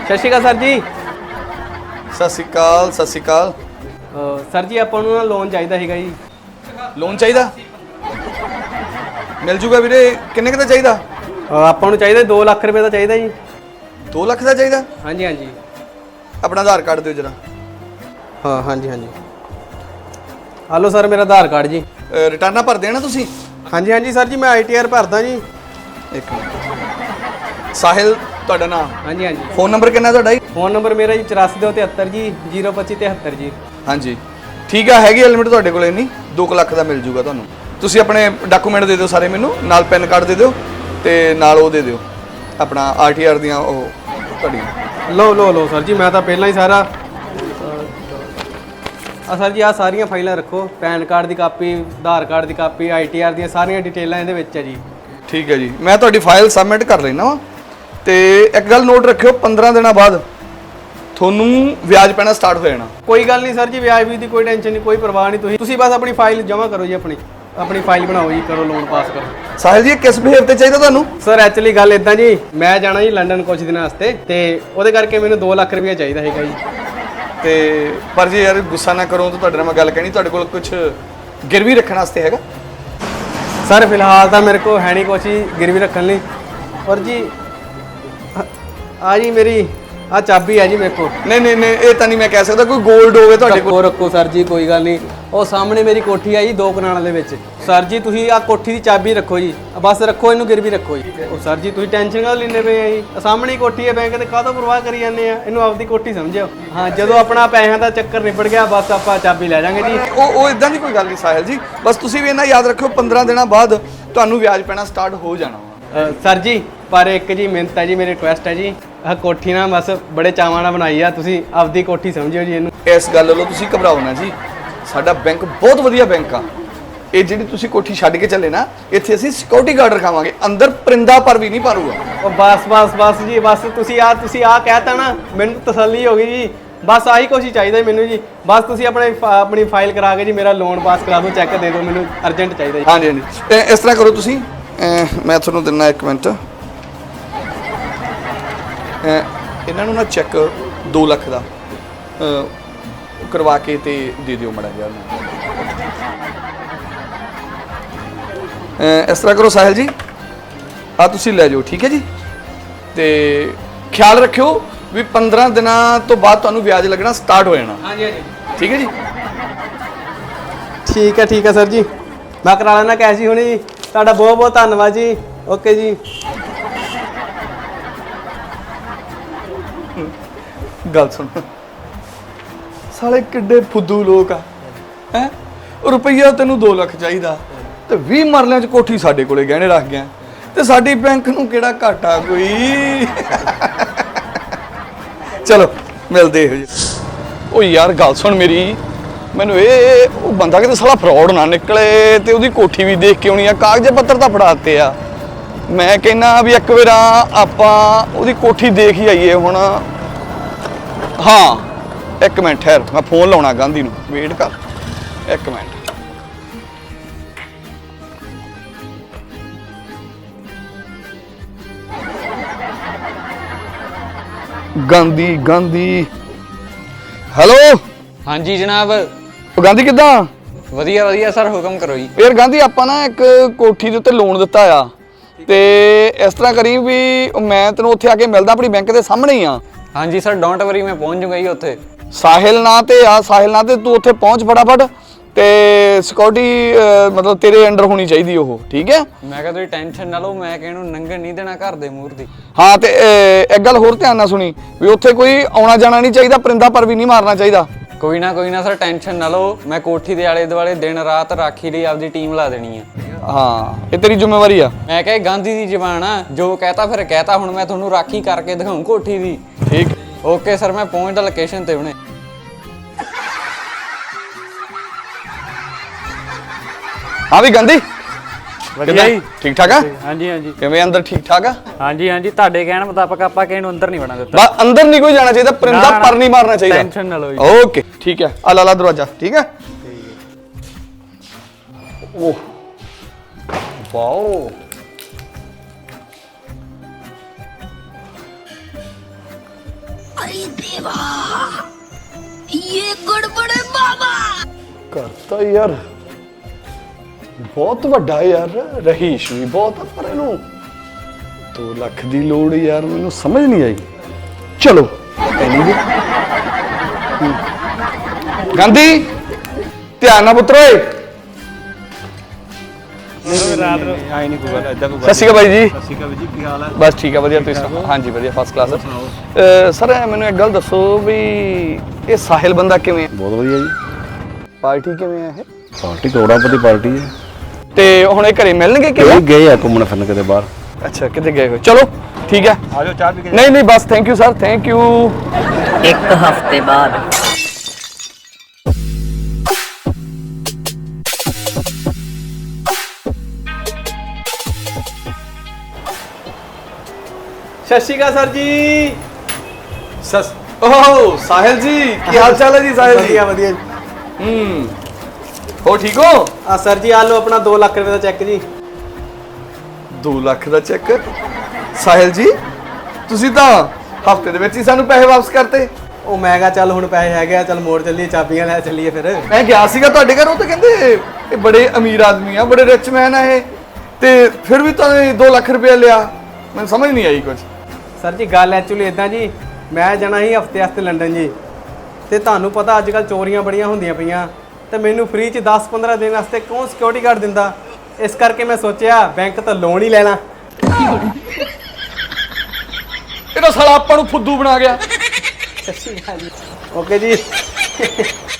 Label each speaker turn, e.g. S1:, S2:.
S1: ਸਤਿ ਸ਼੍ਰੀ ਅਕਾਲ ਸਰ ਜੀ।
S2: ਸਤਿ ਸ਼੍ਰੀ ਅਕਾਲ, ਸਤਿ ਸ਼੍ਰੀ ਅਕਾਲ।
S1: ਸਰ ਜੀ ਆਪਾਂ ਨੂੰ ਨਾ ਲੋਨ ਚਾਹੀਦਾ ਸੀਗਾ ਜੀ।
S2: ਲੋਨ ਚਾਹੀਦਾ? ਮਿਲ ਜੂਗਾ ਵੀਰੇ। ਕਿੰਨੇ ਕੁ ਦਾ ਚਾਹੀਦਾ?
S1: ਆਪਾਂ ਨੂੰ ਚਾਹੀਦਾ 2 ਲੱਖ ਰੁਪਏ ਦਾ ਚਾਹੀਦਾ ਜੀ।
S2: 2 ਲੱਖ ਦਾ ਚਾਹੀਦਾ?
S1: ਹਾਂਜੀ ਹਾਂਜੀ।
S2: ਆਪਣਾ ਆਧਾਰ ਕਾਰਡ ਦਿਓ ਜਰਾ।
S1: ਹਾਂ ਹਾਂਜੀ ਹਾਂਜੀ। ਹਲੋ ਸਰ, ਮੇਰਾ ਆਧਾਰ ਕਾਰਡ ਜੀ।
S2: ਰਿਟਰਨਾਂ ਭਰ ਦੇਣਾ ਤੁਸੀਂ?
S1: ਹਾਂਜੀ ਹਾਂਜੀ ਸਰ ਜੀ, ਮੈਂ ITR ਭਰਦਾ ਜੀ।
S2: ਇੱਕ ਮਿੰਟ। ਸਾਹਿਲ ਤੁਹਾਡਾ ਨਾਮ?
S1: ਹਾਂਜੀ ਹਾਂਜੀ।
S2: ਫੋਨ ਨੰਬਰ ਕਿੰਨਾ ਤੁਹਾਡਾ ਜੀ?
S1: ਫੋਨ ਨੰਬਰ ਮੇਰਾ ਜੀ 8473 ਜੀ 02573 ਜੀ।
S2: ਹਾਂਜੀ ਠੀਕ ਆ, ਹੈਗੀ ਲਿਮਿਟ ਤੁਹਾਡੇ ਕੋਲ ਇੰਨੀ? 2 ਲੱਖ ਦਾ ਮਿਲ ਜੂਗਾ ਤੁਹਾਨੂੰ। ਤੁਸੀਂ ਆਪਣੇ ਡਾਕੂਮੈਂਟ ਦੇ ਦਿਓ ਸਾਰੇ ਮੈਨੂੰ, ਨਾਲ ਪੈਨ ਕਾਰਡ ਦੇ ਦਿਓ ਤੇ ਨਾਲ ਉਹ ਦੇ ਦਿਓ ਆਪਣਾ RTR ਦੀਆਂ ਉਹ ਤੁਹਾਡੀਆਂ।
S1: ਲਓ ਸਰ ਜੀ, ਮੈਂ ਤਾਂ ਪਹਿਲਾਂ ਹੀ ਸਾਰਾ ਸਰ ਜੀ ਆਹ ਸਾਰੀਆਂ ਫਾਈਲਾਂ ਰੱਖੋ। ਪੈਨ ਕਾਰਡ ਦੀ ਕਾਪੀ, ਆਧਾਰ ਕਾਰਡ ਦੀ ਕਾਪੀ, ITR ਦੀਆਂ ਸਾਰੀਆਂ ਡਿਟੇਲਾਂ ਇਹਦੇ ਵਿੱਚ ਹੈ ਜੀ। ਠੀਕ
S2: ਹੈ ਜੀ, ਮੈਂ ਤੁਹਾਡੀ ਫਾਈਲ ਸਬਮਿਟ ਕਰ ਲੈਣਾ ਵਾ। ਤੇ ਇੱਕ ਗੱਲ ਨੋਟ ਰੱਖਿਓ, 15 ਦਿਨਾਂ ਬਾਅਦ ਤੁਹਾਨੂੰ ਵਿਆਜ ਪੈਣਾ ਸਟਾਰਟ ਹੋ ਜਾਣਾ।
S1: ਕੋਈ ਗੱਲ ਨਹੀਂ ਸਰ ਜੀ, ਵਿਆਜ ਵੀ ਦੀ ਕੋਈ ਟੈਨਸ਼ਨ ਨਹੀਂ, ਕੋਈ ਪਰਵਾਹ ਨਹੀਂ। ਤੁਸੀਂ ਬਸ ਆਪਣੀ ਫਾਈਲ ਜਮ੍ਹਾਂ ਕਰੋ ਜੀ, ਆਪਣੀ ਫਾਈਲ ਬਣਾਓ ਜੀ, ਕਰੋ ਲੋਨ ਪਾਸ ਕਰੋ।
S2: ਸਾਹਿਲ ਜੀ ਕਿਸ ਬਿਹੇਵ ਤੇ ਚਾਹੀਦਾ ਤੁਹਾਨੂੰ?
S1: ਸਰ ਐਕਚੁਅਲੀ ਗੱਲ ਇਦਾਂ ਜੀ, ਮੈਂ ਜਾਣਾ ਜੀ ਲੰਡਨ ਕੁਝ ਦਿਨਾਂ ਵਾਸਤੇ ਤੇ ਉਹਦੇ ਕਰਕੇ ਮੈਨੂੰ 2 ਲੱਖ ਰੁਪਏ ਚਾਹੀਦਾ ਹੈਗਾ ਜੀ।
S2: ਤੇ ਪਰ ਜੀ ਯਾਰ ਗੁੱਸਾ ਨਾ ਕਰੋ ਤਾਂ ਤੁਹਾਡੇ ਨਾਲ ਮੈਂ ਗੱਲ ਕਹਿਣੀ, ਤੁਹਾਡੇ ਕੋਲ ਕੁਝ ਗਿਰਵੀ ਰੱਖਣ ਵਾਸਤੇ ਹੈਗਾ?
S1: ਸਰ ਫਿਲਹਾਲ ਤਾਂ ਮੇਰੇ ਕੋਲ ਹੈ ਨਹੀਂ ਕੁਛ ਹੀ ਗਿਰਵੀ ਰੱਖਣ ਲਈ। ਪਰ ਜੀ ਆ ਜੀ ਮੇਰੀ ਆ ਚਾਬੀ ਹੈ ਜੀ ਮੇਰੇ ਕੋਲ।
S2: ਨਹੀਂ ਇਹ ਤਾਂ ਨਹੀਂ ਮੈਂ ਕਹਿ ਸਕਦਾ, ਕੋਈ 골ਡ ਹੋਵੇ ਤੁਹਾਡੇ ਕੋਲ।
S1: ਰੱਖੋ ਸਰ ਜੀ, ਕੋਈ ਗੱਲ ਨਹੀਂ। ਉਹ ਸਾਹਮਣੇ ਮੇਰੀ ਕੋਠੀ ਆ ਜੀ 2 ਕਨਾਲਾਂ ਦੇ ਵਿੱਚ। ਸਰ ਜੀ ਤੁਸੀਂ ਆ ਕੋਠੀ ਦੀ ਚਾਬੀ ਰੱਖੋ ਜੀ, ਬਸ ਰੱਖੋ, ਇਹਨੂੰ ਗਿਰਵੀ ਰੱਖੋ ਜੀ। ਉਹ ਸਰ ਜੀ ਤੁਸੀਂ ਟੈਨਸ਼ਨ ਕਾਹਦੋਂ ਲੈਂਦੇ ਪਏ ਆ ਜੀ? ਸਾਹਮਣੇ ਹੀ ਕੋਠੀ ਹੈ ਬੈਂਕ ਤੇ, ਕਾਹਦੋਂ ਪਰਵਾਹ ਕਰੀ ਜਾਂਦੇ ਆ? ਇਹਨੂੰ ਆਪਦੀ ਕੋਠੀ ਸਮਝਿਓ। ਹਾਂ, ਜਦੋਂ ਆਪਣਾ ਪੈਸਿਆਂ ਦਾ ਚੱਕਰ ਨਿਬੜ ਗਿਆ ਬਸ ਆਪਾਂ ਚਾਬੀ ਲੈ ਜਾਾਂਗੇ ਜੀ।
S2: ਉਹ ਇਦਾਂ ਦੀ ਕੋਈ ਗੱਲ ਨਹੀਂ ਸਾਹਿਲ ਜੀ, ਬਸ ਤੁਸੀਂ ਵੀ ਇਹਨਾਂ ਯਾਦ ਰੱਖਿਓ 15 ਦਿਨਾਂ ਬਾਅਦ ਤੁਹਾਨੂੰ ਵਿਆਜ ਪੈਣਾ ਸਟਾਰਟ ਹੋ ਜਾਣਾ।
S1: ਸਰ ਜੀ ਪਰ ਇੱਕ ਜੀ ਮਿਹਨਤ ਹੈ ਜੀ, ਮੇਰੀ ਰਿਕੁਐਸਟ ਹੈ ਜੀ, ਆਹ ਕੋਠੀ ਨਾ ਬਸ ਬੜੇ ਚਾਵਾਂ ਨਾਲ ਬਣਾਈ ਆ, ਤੁਸੀਂ ਆਪਦੀ ਕੋਠੀ ਸਮਝਿਓ ਜੀ ਇਹਨੂੰ।
S2: ਇਸ ਗੱਲ ਵੱਲੋਂ ਤੁਸੀਂ ਘਬਰਾਓ ਨਾ ਜੀ, ਸਾਡਾ ਬੈਂਕ ਬਹੁਤ ਵਧੀਆ ਬੈਂਕ ਆ। ਇਹ ਜਿਹੜੀ ਤੁਸੀਂ ਕੋਠੀ ਛੱਡ ਕੇ ਚੱਲੇ ਨਾ, ਇੱਥੇ ਅਸੀਂ ਸਿਕਿਉਰਿਟੀ ਗਾਰਡ ਰਖਾਵਾਂਗੇ, ਅੰਦਰ ਪਰਿੰਦਾ ਪਰ ਵੀ ਨਹੀਂ ਪਾਰੂਗਾ।
S1: ਉਹ ਬਸ ਜੀ, ਬਸ ਤੁਸੀਂ ਆ ਕਹਿਤਾ ਨਾ, ਮੈਨੂੰ ਤਸੱਲੀ ਹੋ ਗਈ ਜੀ। ਬਸ ਆਹੀ ਕੁਛ ਹੀ ਚਾਹੀਦਾ ਮੈਨੂੰ ਜੀ। ਬਸ ਤੁਸੀਂ ਆਪਣੀ ਫਾਈਲ ਕਰਾ ਕੇ ਜੀ ਮੇਰਾ ਲੋਨ ਪਾਸ ਕਰਾ ਦਿਓ, ਚੈੱਕ ਦੇ ਦਿਓ, ਮੈਨੂੰ ਅਰਜੈਂਟ ਚਾਹੀਦਾ ਜੀ।
S2: ਹਾਂਜੀ ਇਸ ਤਰ੍ਹਾਂ ਕਰੋ ਤੁਸੀਂ, ਮੈਂ ਤੁਹਾਨੂੰ ਦਿੰਦਾ 1 ਮਿੰਟ। ਇਹਨਾਂ ਨੂੰ ਨਾ ਚੈੱਕ 2 ਲੱਖ ਦਾ ਕਰਵਾ ਕੇ ਤੇ ਦੇ ਦਿਓ ਮੜਾ ਜਿਹਾ। ਇਸ ਤਰ੍ਹਾਂ ਕਰੋ ਸਾਹਿਲ ਜੀ, ਆ ਤੁਸੀਂ ਲੈ ਜਾਓ, ਠੀਕ ਹੈ ਜੀ। ਤੇ ਖਿਆਲ ਰੱਖਿਓ ਵੀ 15 ਦਿਨਾਂ ਤੋਂ ਬਾਅਦ ਤੁਹਾਨੂੰ ਵਿਆਜ ਲੱਗਣਾ ਸਟਾਰਟ ਹੋ ਜਾਣਾ।
S1: ਹਾਂਜੀ
S2: ਠੀਕ ਹੈ ਜੀ।
S1: ਠੀਕ ਹੈ ਸਰ ਜੀ, ਮੈਂ ਕਰਾ ਲੈਣਾ ਕੈਸ਼ ਹੀ ਹੁਣੇ ਜੀ। ਤੁਹਾਡਾ ਬਹੁਤ ਬਹੁਤ ਧੰਨਵਾਦ ਜੀ। ਓਕੇ ਜੀ।
S2: ਗੱਲ ਸੁਣ, ਸਾਲੇ ਕਿੱਡੇ ਫੁੱਦੂ ਲੋਕ ਆ ਹੈ। ਰੁਪਈਆ ਤੈਨੂੰ 2 ਲੱਖ ਚਾਹੀਦਾ ਤੇ 20 ਮਰਲਿਆਂ ਚ ਕੋਠੀ ਸਾਡੇ ਕੋਲੇ ਗਹਿਣੇ ਰੱਖ ਗਿਆ, ਤੇ ਸਾਡੀ ਬੈਂਕ ਨੂੰ ਕਿਹੜਾ ਘਾਟਾ ਕੋਈ। ਚਲੋ ਮਿਲਦੇ ਇਹੋ ਜਿਹੇ। ਉਹ ਯਾਰ ਗੱਲ ਸੁਣ ਮੇਰੀ, ਮੈਨੂੰ ਉਹ ਬੰਦਾ ਕਿਤੇ ਸਾਲਾ ਫਰਾਡ ਨਾ ਨਿਕਲੇ ਤੇ ਉਹਦੀ ਕੋਠੀ ਵੀ ਦੇਖ ਕੇ ਆਉਣੀ ਆ, ਕਾਗਜ਼ ਪੱਤਰ ਤਾਂ ਫੜਾ ਦਿੱਤੇ ਆ। ਮੈਂ ਕਹਿੰਦਾ ਵੀ ਇੱਕ ਵਾਰ ਆਪਾਂ ਉਹਦੀ ਕੋਠੀ ਦੇਖ ਹੀ ਆਈਏ ਹੁਣ। ਹਾਂ 1 ਮਿੰਟ ਠਹਿਰ, ਮੈਂ ਫੋਨ ਲਾਉਣਾ ਗਾਂਧੀ ਨੂੰ, ਵੇਟ ਕਰ 1 ਮਿੰਟ। ਗਾਂਧੀ ਹੈਲੋ।
S3: ਹਾਂਜੀ ਜਨਾਬ।
S2: ਗਾਂਧੀ ਕਿੱਦਾਂ?
S3: ਵਧੀਆ ਸਰ, ਹੁਕਮ ਕਰੋ ਜੀ।
S2: ਯਾਰ ਗਾਂਧੀ ਆਪਾਂ ਨਾ ਇੱਕ ਕੋਠੀ ਦੇ ਉੱਤੇ ਲੋਨ ਦਿੱਤਾ ਆ, ਤੇ ਇਸ ਤਰ੍ਹਾਂ ਕਰੀ ਵੀ ਮੈਂ ਤੈਨੂੰ ਉੱਥੇ ਆ ਕੇ ਮਿਲਦਾ, ਆਪਣੀ ਬੈਂਕ ਦੇ ਸਾਹਮਣੇ ਹੀ ਆ।
S3: ਹਾਂਜੀ ਸਰ, ਡੋਂਟ ਵਰੀ, ਮੈਂ ਪਹੁੰਚ ਜੂਗਾ ਜੀ ਉੱਥੇ।
S2: ਸਾਹਿਲ ਨਾਂ ਤੇ ਤੂੰ ਉੱਥੇ ਪਹੁੰਚ ਫਟਾਫਟ, ਤੇ ਸਿਕਿਉਰਿਟੀ ਮਤਲਬ ਤੇਰੇ ਅੰਡਰ ਹੋਣੀ ਚਾਹੀਦੀ ਉਹ, ਠੀਕ ਹੈ?
S3: ਮੈਂ ਕਿਹਾ ਤੁਸੀਂ ਟੈਨਸ਼ਨ ਨਾ ਲਓ, ਮੈਂ ਕਿਹਨੂੰ ਨੰਗਣ ਨਹੀਂ ਦੇਣਾ ਘਰ ਦੇ ਮੂਹਰ ਦੀ।
S2: ਹਾਂ ਤੇ ਇੱਕ ਗੱਲ ਹੋਰ ਧਿਆਨ ਨਾਲ ਸੁਣੀ, ਵੀ ਉੱਥੇ ਕੋਈ ਆਉਣਾ ਜਾਣਾ ਨਹੀਂ ਚਾਹੀਦਾ, ਪਰਿੰਦਾ ਪਰ ਵੀ ਨਹੀਂ ਮਾਰਨਾ ਚਾਹੀਦਾ।
S3: ਕੋਈ ਨਾ ਸਰ, ਟੈਨਸ਼ਨ ਨਾ ਲਓ, ਮੈਂ ਕੋਠੀ ਦੇ ਆਲੇ ਦੁਆਲੇ ਦਿਨ ਰਾਤ ਰਾਖੀ ਲਈ ਆਪਦੀ ਟੀਮ ਲਾ ਦੇਣੀ ਆ।
S2: ਹਾਂ ਇਹ ਤੇਰੀ ਜ਼ਿੰਮੇਵਾਰੀ ਆ।
S3: ਮੈਂ ਕਿਹਾ ਗਾਂਧੀ ਦੀ ਜ਼ਬਾਨ ਆ, ਜੋ ਕਹਤਾ ਫਿਰ ਕਹਤਾ। ਹੁਣ ਮੈਂ ਤੁਹਾਨੂੰ ਰਾਖੀ ਕਰਕੇ ਦਿਖਾਉਂ ਕੋਠੀ ਦੀ।
S2: ਠੀਕ।
S3: ਓਕੇ ਸਰ, ਮੈਂ ਪਹੁੰਚਦਾ ਲੋਕੇਸ਼ਨ ਤੇ ਹੁਣੇ।
S2: ਹਾਂ ਵੀ ਗਾਂਧੀ
S4: ਵਧੀਆ ਜੀ,
S2: ਠੀਕ ਠਾਕ ਆ?
S4: ਹਾਂਜੀ
S2: ਕਿਵੇਂ ਅੰਦਰ ਠੀਕ ਠਾਕ ਆ?
S4: ਹਾਂਜੀ ਤੁਹਾਡੇ ਕਹਿਣ ਮੁਤਾਬਕ ਆਪਾਂ ਕਿਸੇ ਨੂੰ ਅੰਦਰ ਨਹੀਂ ਵੜਨ ਦਿੱਤਾ।
S2: ਬਸ ਅੰਦਰ ਨਹੀਂ ਕੋਈ ਜਾਣਾ ਚਾਹੀਦਾ, ਪਰਿੰਦਾ ਪਰ ਨਹੀਂ ਮਾਰਨਾ ਚਾਹੀਦਾ।
S4: ਟੈਨਸ਼ਨ ਨਾ ਲਓ ਜੀ।
S2: ਓਕੇ ਠੀਕ ਹੈ, ਆ ਲਾ ਦਰਵਾਜ਼ਾ, ਠੀਕ ਹੈ? ਓਹ ਵਾਓ,
S5: अरे देवा, ये गड़बड़ है बाबा।
S2: ਘਰ ਤਾਂ ਯਾਰ ਬਹੁਤ ਵੱਡਾ ਯਾਰ, ਰਹੀਸ਼ ਵੀ ਬਹੁਤ ਆ, ਪਰ ਇਹਨੂੰ 2 ਲੱਖ ਦੀ ਲੋੜ ਯਾਰ, ਮੈਨੂੰ ਸਮਝ ਨਹੀਂ ਆਈ। ਚਲੋ ਐਨੀ ਗਾਂਧੀ ਧਿਆਨ ਨਾਲ ਪੁੱਤਰ ਓਏ।
S6: ਰਾਤ ਨੂੰ ਆਈ ਨਹੀਂ ਕੋਈ ਗੱਲ ਇਦਾਂ ਕੋਈ
S2: ਸਤਿ ਸ਼੍ਰੀ ਅਕਾਲ ਬਾਈ ਜੀ।
S6: ਸਤਿ ਸ਼੍ਰੀ ਅਕਾਲ ਜੀ, ਕੀ ਹਾਲ ਹੈ?
S2: ਬਸ ਠੀਕ ਆ, ਵਧੀਆ। ਤੁਸੀਂ ਸੁਣਾਓ? ਹਾਂਜੀ ਵਧੀਆ, ਫਸਟ ਕਲਾਸ। ਸਰ ਮੈਨੂੰ ਇੱਕ ਗੱਲ ਦੱਸੋ ਵੀ ਇਹ ਸਾਹਿਲ ਬੰਦਾ ਕਿਵੇਂ ਹੈ?
S6: ਬਹੁਤ ਵਧੀਆ ਜੀ।
S2: ਪਾਰਟੀ ਕਿਵੇਂ ਹੈ ਇਹ?
S6: ਪਾਰਟੀ ਕਰੋੜਾਪਤੀ ਪਾਰਟੀ ਹੈ।
S2: ਤੇ ਹੁਣ ਇਹ ਘਰੇ ਮਿਲਣਗੇ ਕਿ
S6: ਇਹ ਗਏ ਆ ਘੁੰਮਣ ਫਿਰਨ ਕਿਤੇ ਬਾਹਰ।
S2: ਅੱਛਾ, ਕਿਤੇ ਗਏ ਹੋ? ਚਲੋ ਠੀਕ ਹੈ,
S6: ਆ ਜਾਓ ਚਾਹ ਪੀ ਕੇ।
S2: ਨਹੀਂ ਨਹੀਂ ਬਸ thank you sir, thank you.
S7: एक हफ्ते बाद
S1: ਸਤਿ ਸ਼੍ਰੀ ਅਕਾਲ ਸਰ ਜੀ।
S2: ਓਹ ਸਾਹਿਲ ਜੀ, ਕੀ ਹਾਲ ਚਾਲ ਹੈ ਜੀ ਸਾਹਿਲ ਜੀ?
S1: ਵਧੀਆ ਵਧੀਆ।
S2: ਹੋ ਠੀਕ ਹੋ?
S1: ਆ ਸਰ ਜੀ, ਆ ਲਓ ਆਪਣਾ 2 ਲੱਖ ਰੁਪਏ ਦਾ ਚੈੱਕ ਜੀ।
S2: 2 ਲੱਖ ਦਾ ਚੈੱਕ? ਸਾਹਿਲ ਜੀ ਤੁਸੀਂ ਤਾਂ ਹਫਤੇ ਦੇ ਵਿੱਚ ਹੀ ਸਾਨੂੰ ਪੈਸੇ ਵਾਪਸ ਕਰਤੇ।
S1: ਉਹ ਮੈਂ ਕਿਹਾ ਚੱਲ ਹੁਣ ਪੈਸੇ ਹੈਗੇ ਆ, ਚੱਲ ਮੋੜ ਚੱਲੀਏ, ਚਾਬੀਆਂ ਲੈ ਚੱਲੀਏ ਫਿਰ।
S2: ਮੈਂ ਗਿਆ ਸੀਗਾ ਤੁਹਾਡੇ ਘਰ, ਉਹ ਤਾਂ ਕਹਿੰਦੇ ਇਹ ਬੜੇ ਅਮੀਰ ਆਦਮੀ ਆ, ਬੜੇ ਰਿਚ ਮੈਨ ਆ ਇਹ, ਤੇ ਫਿਰ ਵੀ ਤੁਹਾਨੂੰ 2 ਲੱਖ ਰੁਪਏ ਲਿਆ। ਮੈਨੂੰ ਸਮਝ ਨਹੀਂ ਆਈ ਕੁਝ।
S1: ਸਰ ਜੀ ਗੱਲ ਐਕਚੁਅਲੀ ਇਦਾਂ ਜੀ, ਮੈਂ ਜਾਣਾ ਸੀ ਹਫਤੇ ਵਾਸਤੇ ਲੰਡਨ ਜੀ, ਤੇ ਤੁਹਾਨੂੰ ਪਤਾ ਅੱਜ ਕੱਲ ਚੋਰੀਆਂ ਬੜੀਆਂ ਹੁੰਦੀਆਂ ਪਈਆਂ, ਤੇ ਮੈਨੂੰ ਫ੍ਰੀ ਚ 10-15 ਦਿਨ ਵਾਸਤੇ ਕੌਣ ਸਿਕਿਉਰਿਟੀ ਗਾਰਡ ਦਿੰਦਾ। ਇਸ ਕਰਕੇ ਮੈਂ ਸੋਚਿਆ ਬੈਂਕ ਤੋਂ ਲੋਨ ਹੀ ਲੈਣਾ।
S2: ਇਹ ਤਾਂ ਸਾਲਾ ਆਪਾਂ ਨੂੰ ਫੁੱਦੂ ਬਣਾ ਗਿਆ।
S1: ਓਕੇ ਜੀ।